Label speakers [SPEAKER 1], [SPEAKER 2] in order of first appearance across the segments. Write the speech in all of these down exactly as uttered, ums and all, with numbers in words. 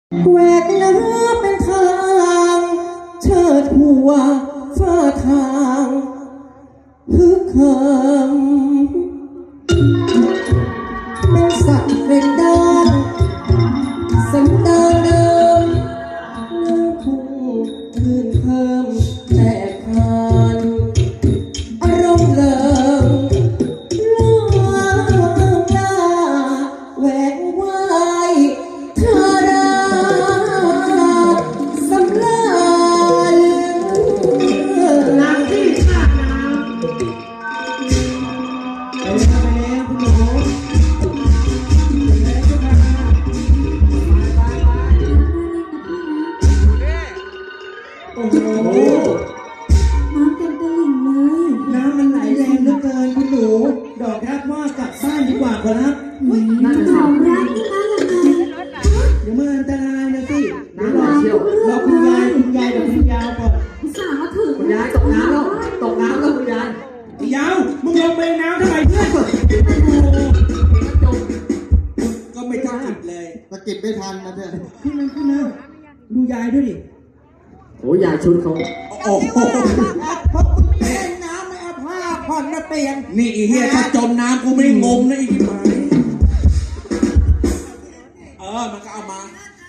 [SPEAKER 1] แหวกน้ำเป็นทางเชิดหัวฟ้าทางฮึกเหิมเป็นสัตว์เป็นดานสันดานเดิมเนื้อพุ่งคืนเพิ่มแต่คานอารมณ์เลิงล่าล่าแหวกว่ายเธอราสำราญน้ำที่ขาดน้ำไปแล้วไปแล้วคุณหนูโอ้โห
[SPEAKER 2] น้ำเต็มตลิ่งเลย
[SPEAKER 1] น้ำมันไหลแรงเหลือเกินคุณหนูดอกรักว่ากลับบ้านดีกว่าครับ
[SPEAKER 2] น้ำของรักนี่มาอย่างไร
[SPEAKER 1] เดี๋ยวมันอันตรายนะสิเดี๋ยวรอเชียวรอคุณยายคุณยายกับคุณยาวก่อน
[SPEAKER 2] สาวมาถึง
[SPEAKER 3] คุณยายตกน้ำแล้วตกน้ำแล้วคุณยาย
[SPEAKER 1] ยาวมึงลงไปน้ำทำไมเพื่อนก็ไม่ทันจิบเลย
[SPEAKER 4] สะกิดไม่ทันนะเพื่อน
[SPEAKER 1] ขึ้นนะขึ้นนะดูยายด้วยดิ
[SPEAKER 3] โอ้ยายชุดเขา
[SPEAKER 1] โอ้โหเพราะมึงเล่นน้ำไม่เอาผ้าผ่อนมาเปลี่ยนนี่อีเหี้ยถ้าจมน้ำกูไม่งมนะอีกไหมเออมันก็เอามา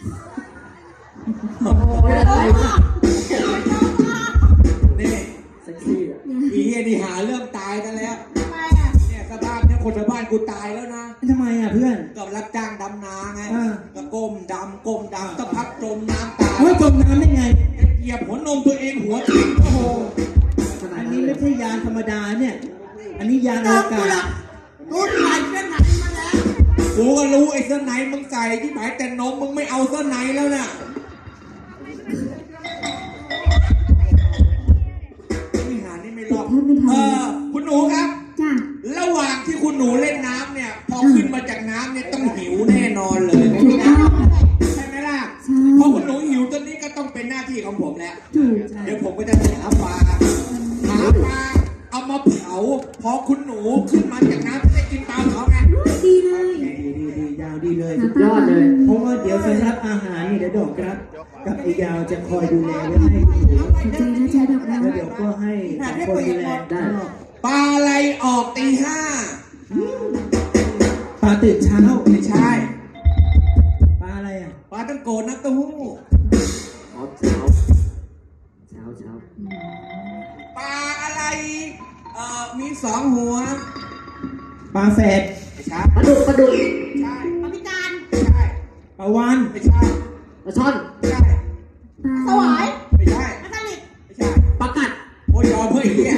[SPEAKER 1] นี่
[SPEAKER 3] เซ็กซี่อ่ะ
[SPEAKER 1] อีเหี้ยนี่หาเรื่องตายกันแล้วเนี่ยสภาพเนี่ยคนในบ้านกูตายแล้วนะทำไมอ่ะเพื่อนก็รับจ้างดำนาไงก็ก้มดำก้มดำสักพักจมน้ำตายเฮ้ยจมน้ำได้ไงเหยียบหัวนมตัวเองหัวทิ้งโอ้โหอันนี้ไม่ใช่ยานธรรมดาเนี่ยอันนี้ยานอวกาศกูใส่เสื้อไหนมาแล้วกูก็รู้ไอ้เสื้อไหนมึงใส่ที่หมายแต่นมมึงไม่เอาเสื้อไหนแล้วน่ะนี่หานี่ไม่รอดเออคุณหนูครับ
[SPEAKER 2] จ้ะ
[SPEAKER 1] ระหว่างที่คุณหนูเล่นน้ำเนี่ยพอขึ้นมาจากน้ำเนี่ยต้องหิวแน่นอนเลยใช่ไหมล่ะพอคุณหนูหิวตอนนี้ก็ต้องเป็นหน้าที่ของผมแล้วเดี๋ยวผมก็จะหาปลาหาปลาเอามาเผาพอคุณหนูขึ้นมาจากน้ำจะได้กินปลาเผาไง
[SPEAKER 2] ดีเลย
[SPEAKER 1] ดีดีดียาวดีเลย
[SPEAKER 3] สุดยอดเลย
[SPEAKER 1] เพราะว่าเดี๋ยวสำหรับอาหารนี่เดี๋ยวดอกครับกับไอ้ยาวจะคอยดูแลไว้ให้คุณหนูแล้วเดี๋ยวก็ให้สองคนดูแลได้ปลาอะไรออกตีห้าปลาตื่นเช้าไม่ใช่ปลาอะไรอ่ะปลาตั้งโกนักตู้หู้
[SPEAKER 3] อ๋อเช้าเช้าเช้า
[SPEAKER 1] ปลาอะไรเอ่อมีสองหัวปลาแฝดไม่ใช่
[SPEAKER 3] ปลาดุกปลาดุก
[SPEAKER 1] ใช่
[SPEAKER 2] ปลาพิการ
[SPEAKER 1] ไม่ใช่ปลาวานไม่ใช่
[SPEAKER 3] ปลาช่อน
[SPEAKER 1] ไม่ใช่
[SPEAKER 2] สวาย
[SPEAKER 1] ไม่ใช่
[SPEAKER 2] ปลาสลิด
[SPEAKER 1] ไม่ใช่
[SPEAKER 3] ปลากัด
[SPEAKER 1] โอ้ยยอมเพื่อไอ้เหี้ย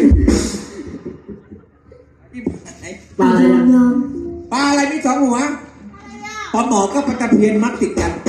[SPEAKER 3] ปลาอะไร
[SPEAKER 1] ปลาอะไรมีสองหัวปลาหมอก็ปลาตะเพียนมัดติดกัน